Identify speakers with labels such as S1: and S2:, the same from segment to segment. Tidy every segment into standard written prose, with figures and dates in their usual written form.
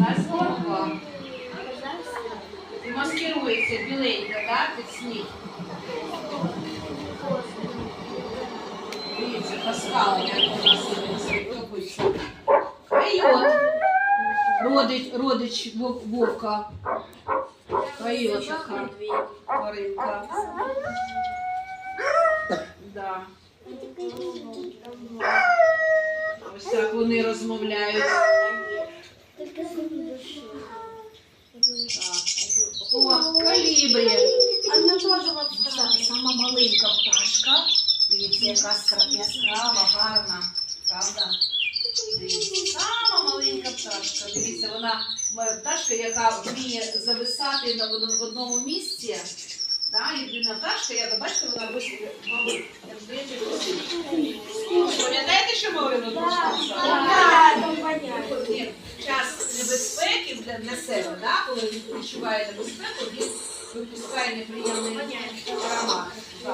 S1: нас голова. І маскирується біленька, да, під сніг. Дивіться, по скалам, як у нас топиться. Койот. Родич вовка. Койот така тваринка. Да. Ось так вони розмовляють. О, калібрі. Сама маленька пташка. Дивіться, яка яскрава, гарна. Правда? Дивіться, сама маленька пташка. Дивіться, вона пташка, яка вміє зависати в одному місці. Да, єдина пташка, як бачите, вона висить, мабуть, як здається, висить. Пам'ятаєте, що ми говорили? Так, час небезпеки для себе, да? Коли він відчуває небезпеку, він випускає неприємний аромат.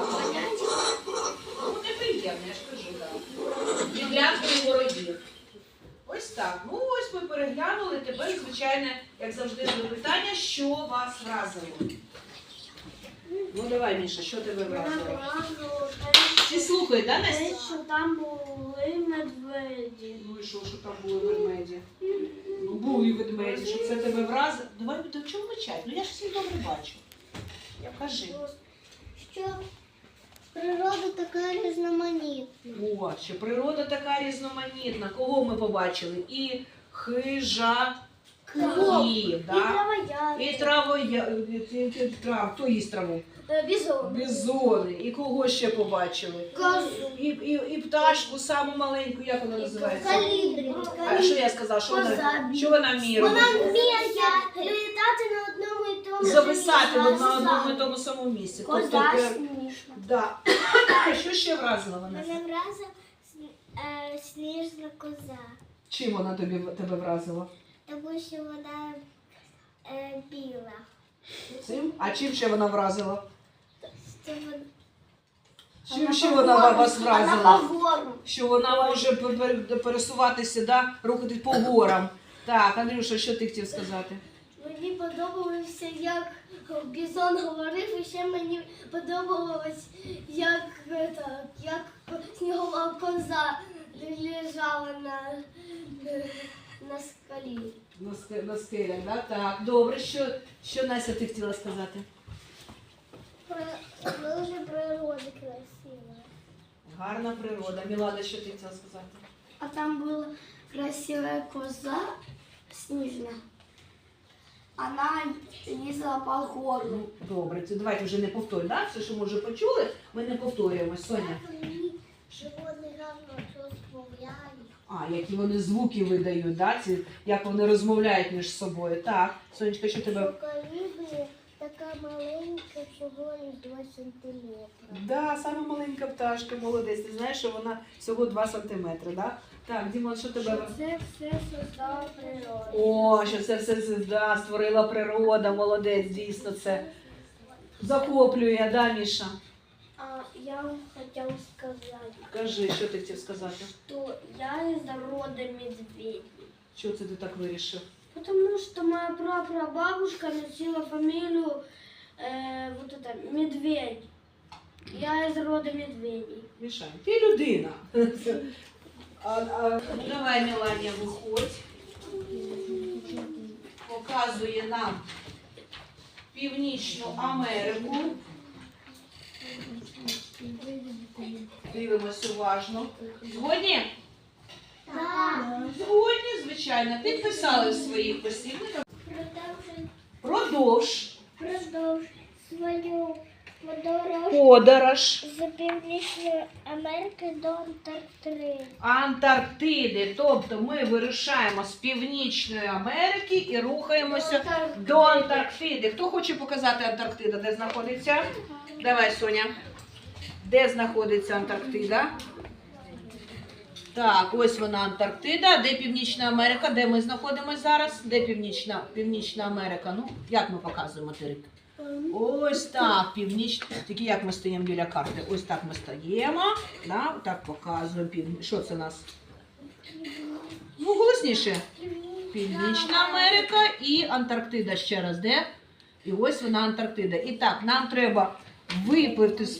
S1: Ну, неприємний, я ж кажу, так. Відлякує ворогів. Ось так. Ну, ось ми переглянули. Тепер, звичайно, як завжди, запитання, що вас вразило? Ну, давай, Міша, що тебе вразило? Всі слухають, да, Настя?
S2: Те, що там були медведі.
S1: Ну і що там були ведмеді? Ну, були ведмеді, що це тебе вразило. Давай, до чого мовчать? Ну, я ж всіх добре бачу. Кажи.
S2: Що природа така різноманітна.
S1: О, що природа така різноманітна. Кого ми побачили? І хижаків, да? І травояди. Хто їсть траву?
S2: Бізон.
S1: Бізони. І кого ще побачили?
S2: Козу.
S1: І пташку саму маленьку, як вона називається?
S2: Калібрі.
S1: А що я сказала? Що вона вміє робити?
S2: Вона вміє літати на одному і тому
S1: Зависати на одному і тому самому місці.
S2: Коза смішна.
S1: Да. Що ще вразила вона?
S2: Мене вразила сніжна коза.
S1: Чим вона тебе вразила?
S2: Тому що вона біла.
S1: Цим? А чим ще вона вразила?
S2: Що
S1: Чим ще вона вас вразила?
S2: Вона погору.
S1: Що вона може пересуватися, да? Рухатись по горам. Так, Андрюша, що ти хотів сказати?
S2: Мені подобалося, як Бізон говорив, і ще мені подобалось, як снігова коза лежала на скалі.
S1: На скелях, да? Так, добре. Що Настя, ти хотіла сказати?
S2: Дуже природа красива.
S1: Гарна природа. Мілана, що ти хотіла сказати?
S2: А там була красивая коза снежная. Она лізла по гору.
S1: Ну, добре, це давайте вже не повторюємо, да? Все, що ми вже почули, ми не повторюємо. Соня.
S2: Животні гарно розмовляють.
S1: А, які вони звуки видають, да? Як вони розмовляють між собою. Так, Сонечка, що тебе...
S2: Калібрі така маленька, всього 2 сантиметри.
S1: Да, саме маленька пташка, молодець. Ти знаєш, що вона всього 2 сантиметри, да? Так, Дімон, що тебе...
S2: Це все создала природа.
S1: О, що це все створила природа, молодець, дійсно, це захоплює, да, Міша?
S2: А я вам хотела сказать,
S1: Кажи, що ти хотів сказати?
S2: что я из рода медведей.
S1: Чого це ти так вирішив?
S2: Потому что моя прапрабабушка носила фамилию вот это Медведь. Я из рода медведей.
S1: Міша, ти людина. Давай, Меланія, виходь. Показує нам Північну Америку. Дивимось уважно. Згодні?
S2: Так.
S1: Згодні, звичайно. Підписали в своїх посібниках. Продовж
S2: Свою
S1: подорож
S2: з Північної Америки до Антарктиди.
S1: Антарктиди. Тобто ми вирушаємо з Північної Америки і рухаємося до Антарктиди. Хто хоче показати Антарктиду, де знаходиться? Давай, Соня. Де знаходиться Антарктида? Так, ось вона Антарктида. Де Північна Америка? Де ми знаходимося зараз? Де Північна Америка? Ну, як ми показуємо материк? Ось так, північна. Тільки як ми стоїмо біля карти? Ось так ми стоїмо. Так показуємо. Що це у нас? Ну, голосніше. Північна Америка і Антарктида ще раз, де? І ось вона Антарктида. І так, нам треба випливти з